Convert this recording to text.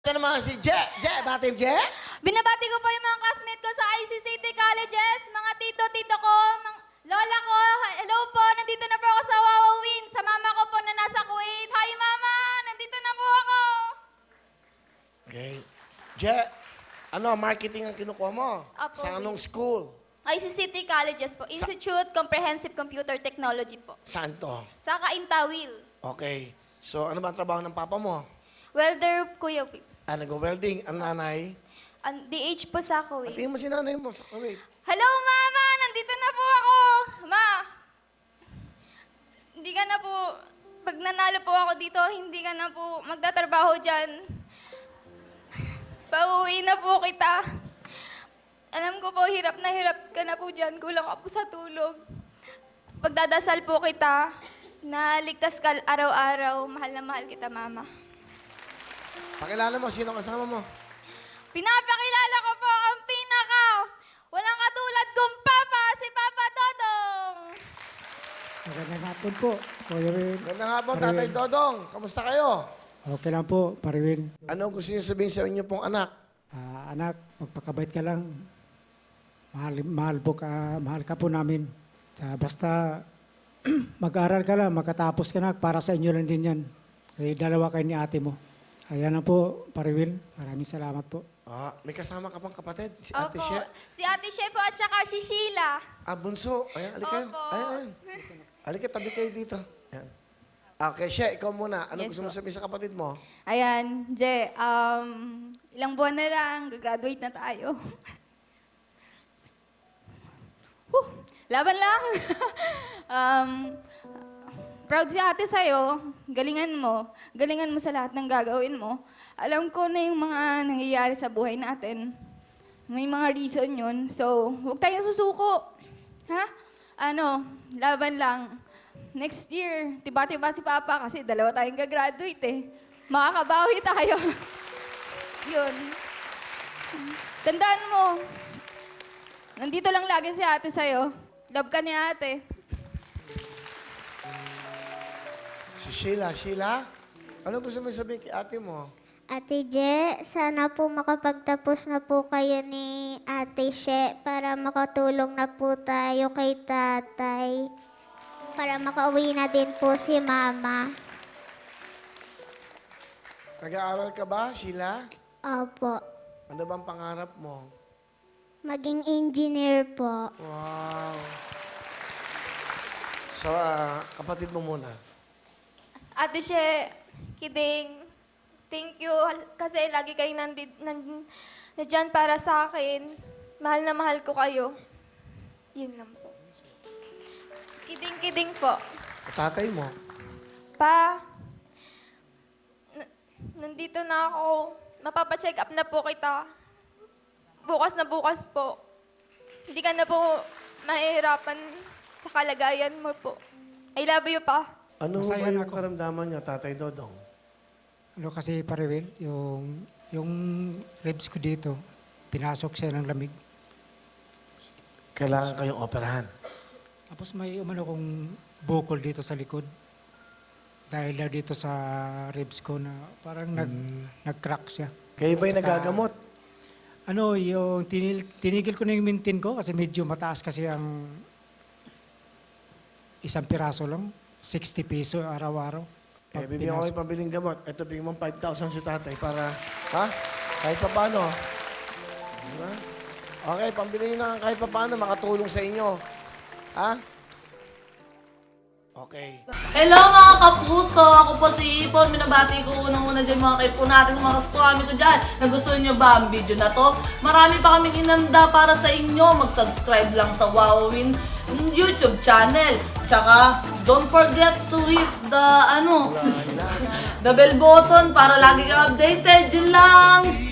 Ito naman si Je. Je, bati Je. Binabati ko po yung mga classmate ko sa IC City Colleges, mga tito ko, mga lola ko. Hello po, nandito na po ako sa Wawawin. Sa mama ko po na nasa Kuwait. Hi mama, nandito na po ako. Okay. Je, ano, marketing ang kinukuha mo? Apo, Sa anong school? IC City Colleges po, Institute Comprehensive Computer Technology po. Saan to? Sa Kaintawil. Okay. So, ano ba ang trabaho ng papa mo? Welder, Kuya Pip. Nag-welding. Ang nanay? DH po sa Kuwait. Tingin mo si nanay mo sa Kuwait. Hello, Mama! Nandito na po ako! Ma! Hindi ka na po, pag nanalo po ako dito, hindi ka na po magtatrabaho dyan. Pauwi na po kita. Alam ko po, hirap ka na po dyan. Kulang ka po sa tulog. Pagdadasal po kita, na ligtas ka araw-araw. Mahal na mahal kita, Mama. Pakilala mo, sino kasama mo? Pinapakilala ko po ang pinaka walang katulad kong papa, si Papa Dodong. Magandang hapon po, Kuya Will. Ganda nga po, Tatay Dodong. Kamusta kayo? Okay lang po, Pariwin. Ano gusto niyo sabihin sa inyo pong anak? Anak, magpakabait ka lang. Mahal ka po namin. Basta mag-aral ka lang, makatapos ka na, para sa inyo lang din yan. Dalawa kayo ni ate mo. Ayan na po, Pariwin. Maraming salamat po. May kasama ka pang kapatid? Si Ate Opo, She? si Ate She po at saka si Sheila. Bunso. Ayan, alika kayo. Opo. Ayan. Alika, tabi kayo dito. Ayan. Okay, She, ikaw muna. Ano Yes, gusto mo sabihin sa kapatid mo? Ayan, Je, ilang buwan na lang, gagraduate na tayo. Laban lang. Proud si ate sa'yo. Galingan mo. Galingan mo sa lahat ng gagawin mo. Alam ko na yung mga nangyayari sa buhay natin. May mga reason yun. So, huwag tayong susuko. Ha? Laban lang. Next year, tiba-tiba si Papa kasi dalawa tayong gagraduate eh. Makakabawi tayo. Yun. Tandaan mo, nandito lang lagi si ate sa'yo. Love ka ni ate. Si Sheila. Sheila? Ano gusto mo sabihin kay ate mo? Ate Je, sana po makapagtapos na po kayo ni Ate She para makatulong na po tayo kay tatay. Para makauwi na din po si Mama. Nag-aaral ka ba, Sheila? Opo. Ano bang pangarap mo? Maging engineer po. Wow. So, kapatid mo muna. Ate She, kidding. Thank you kasi lagi kayo nandyan para sa akin. Mahal na mahal ko kayo. Yun lang po. Kidding po. Tatay mo? Pa, nandito na ako. Mapapacheck up na po kita. Bukas na bukas po. Hindi ka na po mahihirapan sa kalagayan mo po. I love you, pa. Ano ba Masaya yung na ako. karamdaman niya, Tatay Dodong? Ano kasi, Pariwin, yung ribs ko dito, pinasok siya ng lamig. Kailangan kayong operahan. Tapos may umano kong bukol dito sa likod. Dahil na dito sa ribs ko na parang nag-crack siya. Kayo ba'y nagagamot? Yung tinigil ko na yung mintin ko kasi medyo mataas kasi ang isang piraso lang. 60 peso araw-araw. Bibigyan ko kayo pabiling gamot. Ito, bigyan mo 5,000 si tatay para, kahit pa paano. Diba? Okay, pambili na kahit pa paano, makatulong sa inyo. Okay. Hello mga kapuso! Ako po si Ipon. Minabati ko unang-una dyan mga kaipo natin, mga kaskwami ko dyan. Nagustuhan nyo ba ang video na to? Marami pa kaming inanda para sa inyo. Mag-subscribe lang sa Wawawin YouTube channel. Tsaka, don't forget to hit the, the bell button para lagi kang updated. Yun lang!